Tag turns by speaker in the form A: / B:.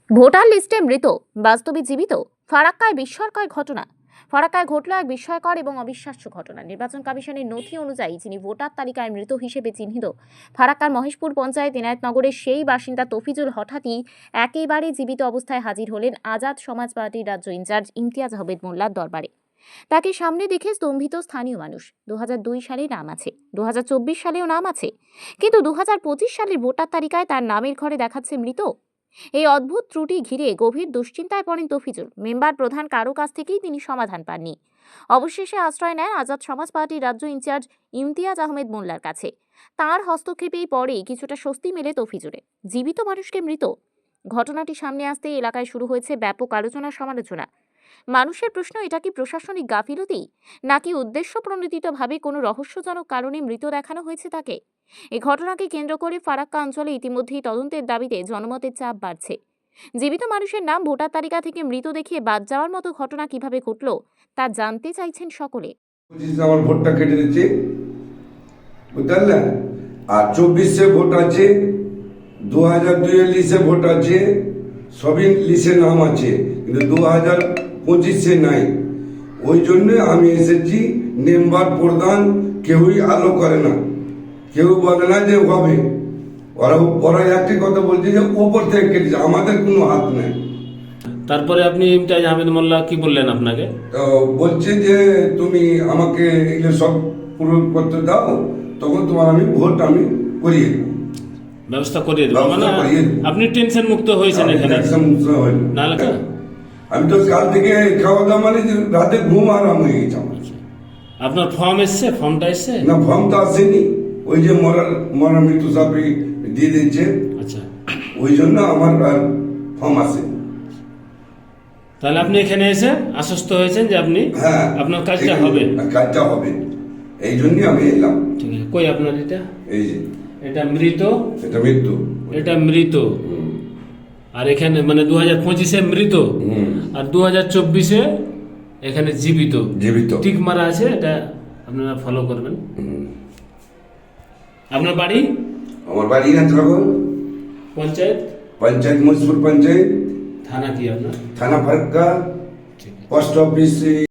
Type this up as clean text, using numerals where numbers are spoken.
A: Voter লিস্টে মৃত, বাস্তবে জীবিত। ফারাক্কায় বিস্ময়কর ঘটনা। ফারাক্কায় ঘটল এক বিস্ময়কর এবং অবিশ্বাস্য ঘটনা। নির্বাচন কমিশনের নথি অনুযায়ী যিনি ভোটার তালিকায় মৃত হিসেবে চিহ্নিত, ফারাক্কার মহেশপুর পঞ্চায়েত এনায়েতনগরের সেই বাসিন্দা তফিজুল হঠাৎই একেবারে জীবিত অবস্থায় হাজির হলেন আজাদ সমাজ পার্টির রাজ্য ইনচার্জ ইমতিয়াজ আহমেদ মোল্লার দরবারে। তাকে সামনে দেখে স্তম্ভিত স্থানীয় মানুষ। 2002 সালে নাম আছে, 2024 সালেও নাম আছে, কিন্তু 2025 সালের ভোটার তালিকায় তার নামের ঘরে দেখাচ্ছে মৃত। এই অদ্ভুত ত্রুটি ঘিরে গভীর দুশ্চিন্তায় পড়েন তফিজুল। মেম্বার প্রধান কারো কাছ থেকেই তিনি সমাধান পাননি। অবশেষে আশ্রয় নেন আজাদ সমাজ পার্টির রাজ্য ইনচার্জ ইমতিয়াজ আহমেদ মোল্লার কাছে। তার হস্তক্ষেপেই পরেই কিছুটা স্বস্তি মেলে তফিজুলে। জীবিত মানুষকে মৃত, ঘটনাটি সামনে আসতেই এলাকায় শুরু হয়েছে ব্যাপক আলোচনা সমালোচনা। মানুষের প্রশ্ন, এটা কি প্রশাসনিক গাফিলতি, নাকি উদ্দেশ্যপ্রণোদিতভাবে কোনো রহস্যজনক কারণে মৃত দেখানো হয়েছে তাকে? এই ঘটনাকে কেন্দ্র করে ফারাক্কা অঞ্চলে ইতিমধ্যেই তদন্তের দাবিতে জনমতের চাপ বাড়ছে। জীবিত মানুষের নাম ভোটার তালিকা থেকে মৃত দেখিয়ে বাদ যাওয়ার মতো ঘটনা কিভাবে ঘটল তা জানতে চাইছেন সকলে।
B: আমার ভোটটা কেটে দিচ্ছে, বুঝলেন? আর 24-এ ভোট আছে, 2002-এর লিস্টে ভোট আছে, সবই লিস্টে নাম আছে, কিন্তু 2025-এ নাই। ওই জন্য আমি এসেছি। মেম্বার প্রধান কেউই আলো করে না, কেউ বলে না যে হবে। ওরা একটি কথা বলছে যে ওপর থেকে কেটেছে, আমাদের কোনো হাত নেই।
C: তারপরে আপনি ইমতিয়াজ আহমেদ মোল্লা কি বললেন আপনাকে?
B: তো বলছে যে তুমি আমাকে এগুলো সব পূরণ করতে দাও, তখন তোমার আমি ভোট আমি করিয়ে দেবো,
C: ব্যবস্থা করিয়ে দেবো। মানে আপনি টেনশন মুক্ত হয়েছেন এখানে? নাহলে
B: আমি তো কাল থেকে খাওয়া দাওয়া মানে রাতে ঘুম আরাম হয়ে গেছে আমার।
C: আপনার ফর্ম এসছে? ফর্মটা এসছে
B: না, ফর্ম তো আসেনি। ওই যে মরা মৃত্যু সাপে দিয়ে দিচ্ছে।
C: আচ্ছা,
B: ওই জন্য আমার ফর্ম আসে।
C: তাহলে আপনি এখানে এসে আশ্বস্ত হয়েছেন যে আপনি আপনার কাজটা হবে?
B: কাজটা হবে, এই জন্যই আমি এলাম।
C: ঠিক আছে। কই আপনার এটা?
B: এই যে
C: এটা মৃত,
B: এটা মৃত্যু,
C: এটা মৃত। আর এখানে মানে 2025-এ মৃত, আর 2024-এ এখানে জীবিত।
B: জীবিত
C: ঠিক মারা আছে, এটা আপনারা ফলো করবেন। আপনার বাড়ি?
B: আমার বাড়ি এনায়েতনগর
C: পঞ্চায়েত
B: মহেশপুর পঞ্চায়েত।
C: থানা কি আপনার?
B: থানা ফারাক্কা, পোস্ট অফিস।